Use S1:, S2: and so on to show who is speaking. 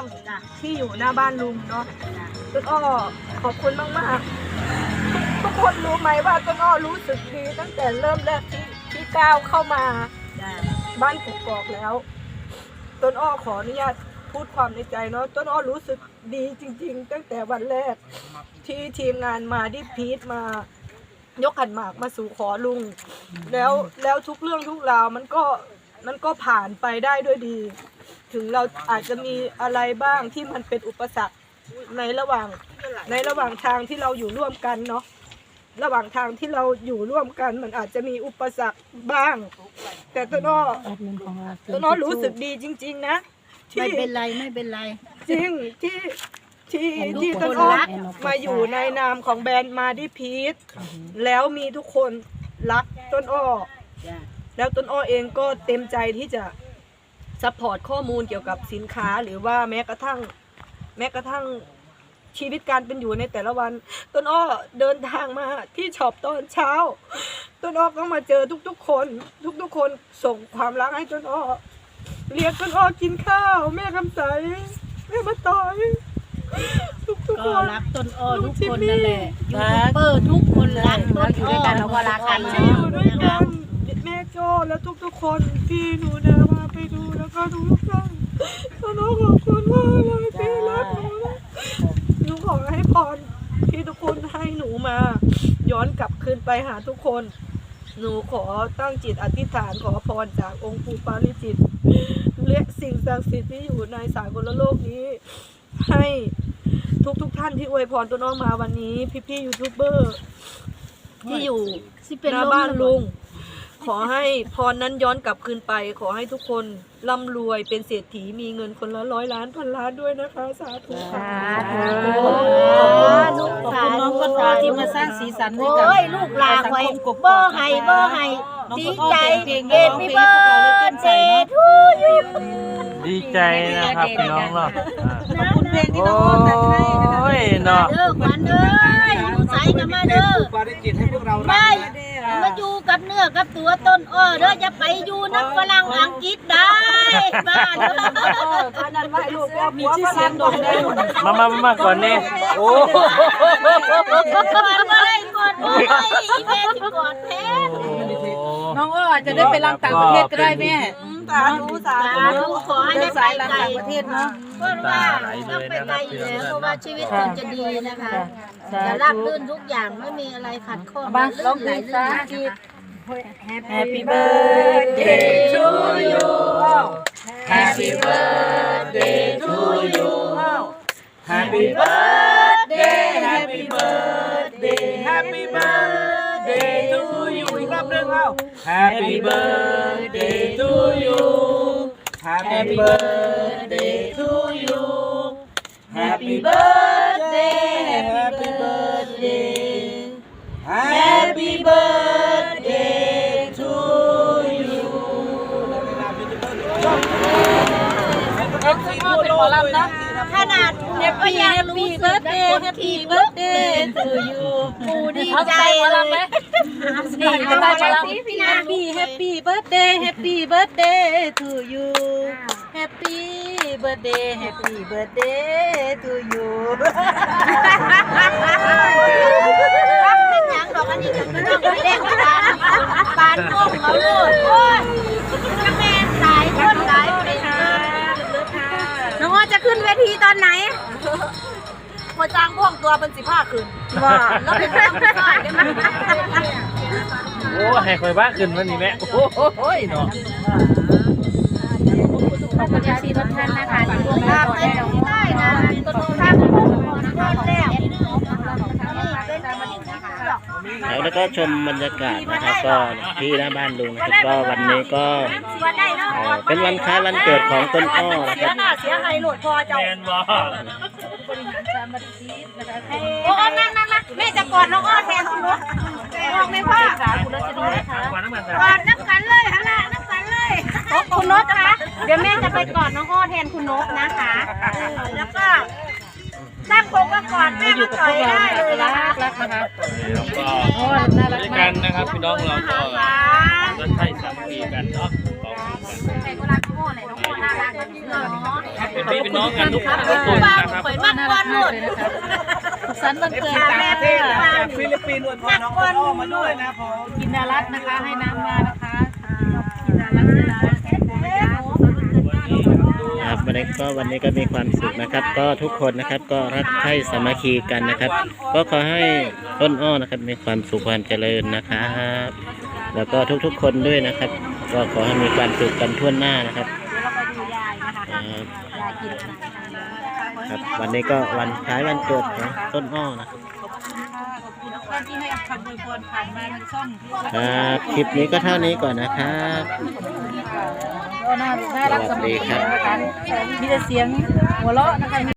S1: ที่อยู่หน้าบ้านลุงเนาะต้นอ้อขอบคุณมากๆทุกคนรู้ไหมว่าต้นอ้อรู้สึกดีตั้งแต่เริ่มแรกที่ก้าวเข้ามาบ้านกกอกแล้วต้นอ้อขออนุญาตพูดความในใจเนาะต้นอ้อรู้สึกดีจริงๆตั้งแต่วันแรกที่ทีมงานมาที่พีทมายกขันหมากมาสู่ขอลุงแล้วทุกเรื่องทุกราวมันก็ผ่านไปได้ด้วยดีถึงเราอาจจะมีอะไรบ้างที่มันเป็นอุปสรรคในระหว่างทางที่เราอยู่ร่วมกันเนาะระหว่างทางที่เราอยู่ร่วมกันมันอาจจะมีอุปสรรคบ้างแต่ต้นอ้อรู้สึกดีจริงๆนะ
S2: ไม่เป็นไร
S1: จริงที่ต้นอ้อมาอยู่ในนามของแบรนด์มาดิพีทแล้วมีทุกคนรักต้นอ้อแล้วต้นอ้อเองก็เต็มใจที่จะซัพพอร์ตข้อมูลเกี่ยวกับสินค้าหรือว่าแม้กระทั่งชีวิตการเป็นอยู่ในแต่ละวันต้นอ้อเดินทางมาที่ช็อปตอนเช้าต้นอ้อก็มาเจอทุกคนส่งความรักให้ต้นอ้อเรียกต้นอ้อกินข้าวแม่คำใสแม่มาต่อยทุกคน
S2: รักต้นอ้อทุกคนนั่นแหละยูทูบเบอร์ทุกคนรักต้นอ้ออยู่ด้วยกันเราก็รักกัน
S1: ที่อยู่ด้วยกันแม่โจ้และทุกคนที่หนูนะมาไปดูแล้วก็ดูทุกครั้งต้นอ้อขอบคุณมากเลยที่รักหนูขอให้พรที่ทุกคนให้หนูมาย้อนกลับคืนไปหาทุกคนหนูขอตั้งจิตอธิษฐานขอพรจากองค์ปู่ปาริจิตและสิ่งศักดิ์สิทธิ์ที่อยู่ในสากลโลกนี้ให้ทุกท่านที่อวยพรต้นอ้อมาวันนี้พี่ยูทูบเบอร์ที่อยู่หน้าบ้านลุงขอให้พรนั้นย้อนกลับคืนไปขอให้ทุกคนร่ำรวยเป็นเศรษฐีมีเงินคนละ100 ล้านพันล้านด้วยนะคะสาธุค่ะ
S2: ขอบคุณน้องต้นอ้อที่มาสร้างสีสันให้กับลูกหลานไว้เบอร์ให้ดีใจเกตมีเบอร์เจทูยู
S3: ดีใจนะครับพี่น้องเนาะ
S2: ขอบคุณเพลงที่น้องอ้อแต่งให้นะคะ
S3: เนาะ
S2: เด้อขวัญเด้อใส่กันมาเด้อไม่มาอยู่กับเนื้อกับตัวต้นอ้อเด้อจะไปอยู่นักฝรั่งอังกฤษได้บ้าน
S1: อันนั้นไม่ลูกแล้วมีชื่อเสียงโด่งดัง
S3: มาก่อนนี่โอ้
S2: กอดเลยอีเมลที่กอดแทน
S4: น้องอ้อจะได้ไปรังต่างประเทศก็ได้แม่
S1: สาธุ
S2: ขอให้ได้ไปไกลประเทศเนาะเพราะว่าต้องไปไกลอยู่แล้วเพราะว่าชีวิตคนจะดีนะคะจะราบรื่นทุกอย่างไม่มีอะไรขัดข้องลื่นไหลลื่นนะคะ
S4: Happy birthday to you
S3: Happy birthday to you Happy birthday Happy birthday Happy birthday to you อีกรอบนึงเอา Happy birthday to you Happy birthday to you Happy birthday Happy birthday Happy birthday to you
S4: เป็นหมอลำนะ
S2: ขนาดก็ยังรู้สึกนะคนที่เบิร์ดเดย์to you ปูดีใจเลย
S4: นี่จะไปมาแล้ว Happy birthday Happy birthday to you Happy birthday Happy birthday to you
S2: เป็นอย่างดอกอันนี้จะไม่ต้องไปเล่นกันปานงงเอาเลยโอ้ยแม่สายคนหลายเป็น
S4: น้องอ้อจะขึ้นเวทีตอนไหน
S1: พอจ้างพ่วงตัวเป็น15 คืนว่าแล้วเป็นน้ำใส่ได้ไหม
S3: โอ้ให้คอยบ้าขึ้นวันนี้แม่โอ้ยเนาะ
S4: ขอบคุณยาชีรถท่านนะคะที่ร่วม
S2: ตามไปได้นะต้นทางนะคะ
S5: แล้วก็ชมบรรยากาศนะครับก็ที่หน้าบ้านลุงนะครับก็วันนี้ก็เป็นวันคล้ายวันเกิดของต้นอ้อนะครับ
S1: เสียหายโหลดพอเจ้า
S4: โอ้นั่งแม่จะกอดน้องอ้อแทนคุณนุ๊กมองไม่พ่อคุณนุ๊กจะดีไหมคะกอดน้ำกันเลยฮะล่ะน้ำกันเลยคุณนุ๊กคะเดี๋ยวแม่จะไปกอดน้องอ้อแทนคุณนุ๊กนะคะ
S1: แล้วก็ตั้งโคกก่อนแม่มาต่อยได้เลยนะคะ
S3: แล้วก็ด้วยกันนะครับพี่น้องเราก็ใช้สามัคคีกันเนาะขอบคุณกัน
S4: เลยน้องอ้อน่ารักเนาะ
S3: เป็นพี่เป็นน้องกันทุกคนนะครับ
S4: ข่อยมากกว่าหมด
S2: สุขสันต์วันเกิด
S4: แม่
S2: ค่ะ
S4: เพื่อนมา
S6: ฟิลิปปินส์อวยพรน้องต้นอ้อมาด้วยนะผม
S2: กินดารัตนะคะ ให้น้ำมานะคะกินดารัตนะคะ
S5: ครับวันนี้ก็มีความสุขนะครับ ก็ทุกคนนะครับก็รักใคร่สามัคคีกันนะครับ ก็ขอให้ต้นอ้อนะครับมีความสุขความเจริญนะครับแล้วก็ทุกๆคนด้วยนะครับ ก็ขอให้มีความสุขกันทั่วหน้านะครับครับวันนี้ก็วันคล้ายวันเกิดของต้นอ้อนะครับ
S2: ที่ให้คำอวยพรผ่านมาทางช่อง
S5: ครับคลิปนี้ก็เท่านี้ก่อนนะครับ
S2: ก็น่ารักสำหรับนะคะมีแต่เสียงหัวเราะนะคะ